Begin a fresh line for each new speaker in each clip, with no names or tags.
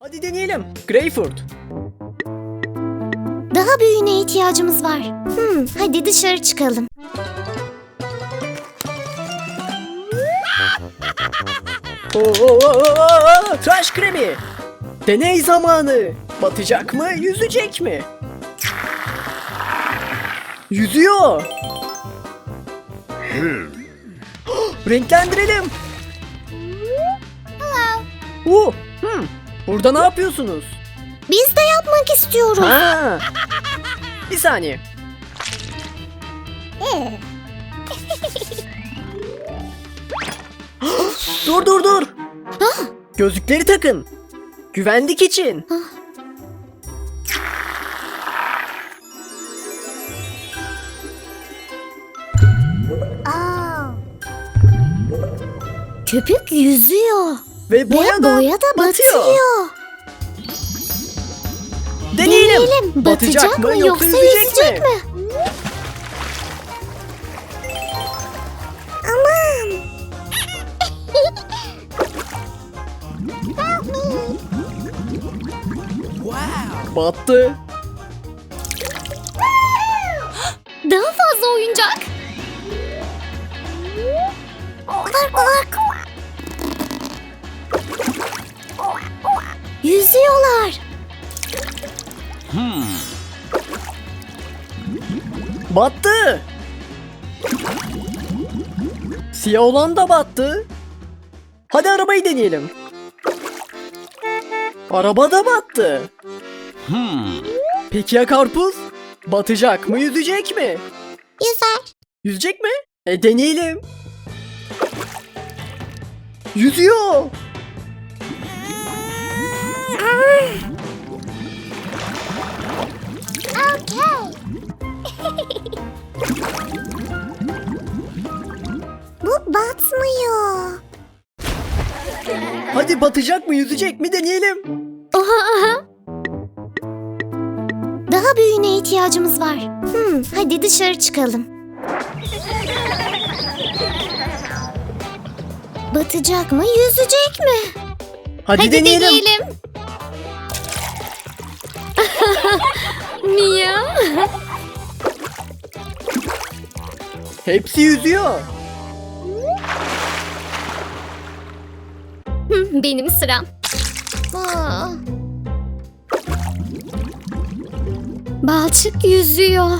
Hadi deneyelim. Greyfurt.
Daha büyüğüne ihtiyacımız var. Hadi dışarı çıkalım.
Tıraş kremi. Deney zamanı. Batacak mı, yüzecek mi? Yüzüyor. Renklendirelim. Burada ne yapıyorsunuz?
Biz de yapmak istiyoruz.
Ha. Bir saniye. Dur. Gözlükleri takın. Güvenlik için.
Köpük yüzüyor.
Ve boya da
batıyor.
Deneyelim.
Batacak mı yoksa yüzecek mi? Aman.
Battı.
Daha fazla oyuncak. Yüzüyorlar.
Battı. Siyah olan da battı. Hadi arabayı deneyelim. Araba da battı. Peki ya karpuz? Batacak mı, yüzecek mi?
Yüzer.
Yüzecek mi? Deneyelim. Yüzüyor.
Bu batmıyor.
Hadi batacak mı, yüzecek mi deneyelim.
Daha büyüğüne ihtiyacımız var. Hadi dışarı çıkalım. Batacak mı, yüzecek mi?
Hadi deneyelim.
Mia.
Hepsi yüzüyor.
Benim sıram. Balçık yüzüyor.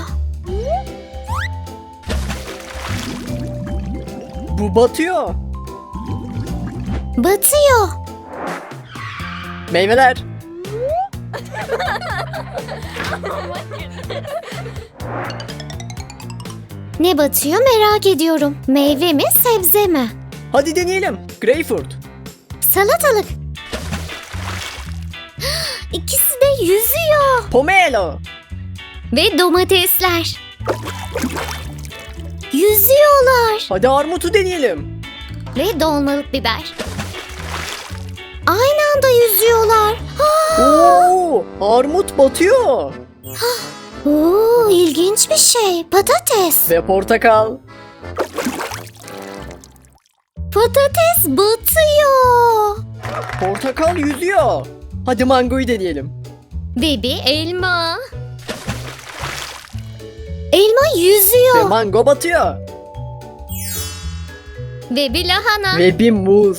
Bu batıyor.
Batıyor.
Meyveler.
Ne batıyor merak ediyorum. Meyve mi, sebze mi?
Hadi deneyelim. Greyfurt.
Salatalık. İkisi de yüzüyor.
Pomelo.
Ve domatesler. Yüzüyorlar.
Hadi armutu deneyelim.
Ve dolmalık biber. Aynı anda yüzüyorlar.
Oo, armut batıyor.
Oo, ilginç bir şey. Patates.
Ve portakal.
Patates batıyor.
Portakal yüzüyor. Hadi mangoyu deneyelim.
Ve bir elma. Elma
Ve
yüzüyor.
mango batıyor.
Ve bir lahana.
Ve bir muz.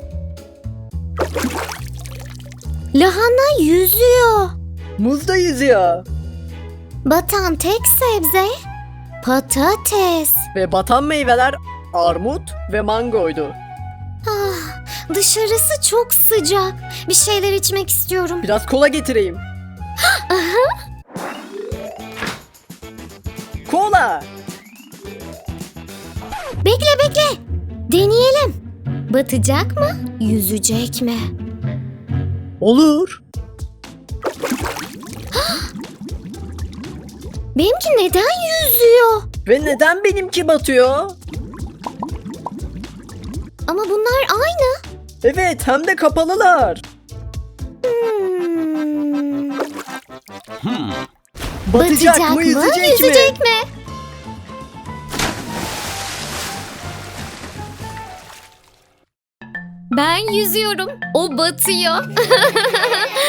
Lahana yüzüyor.
Muz da yüzüyor.
Batan tek sebze patates.
Ve batan meyveler armut ve mangoydu.
Dışarısı çok sıcak. Bir şeyler içmek istiyorum.
Biraz kola getireyim. Kola.
Bekle. Deneyelim. Batacak mı? Yüzecek mi?
Olur.
Benimki neden yüzüyor?
Ve neden benimki batıyor?
Ama bunlar aynı.
Evet, hem de kapalılar. Batacak mı, yüzecek mi?
Ben yüzüyorum. O batıyor.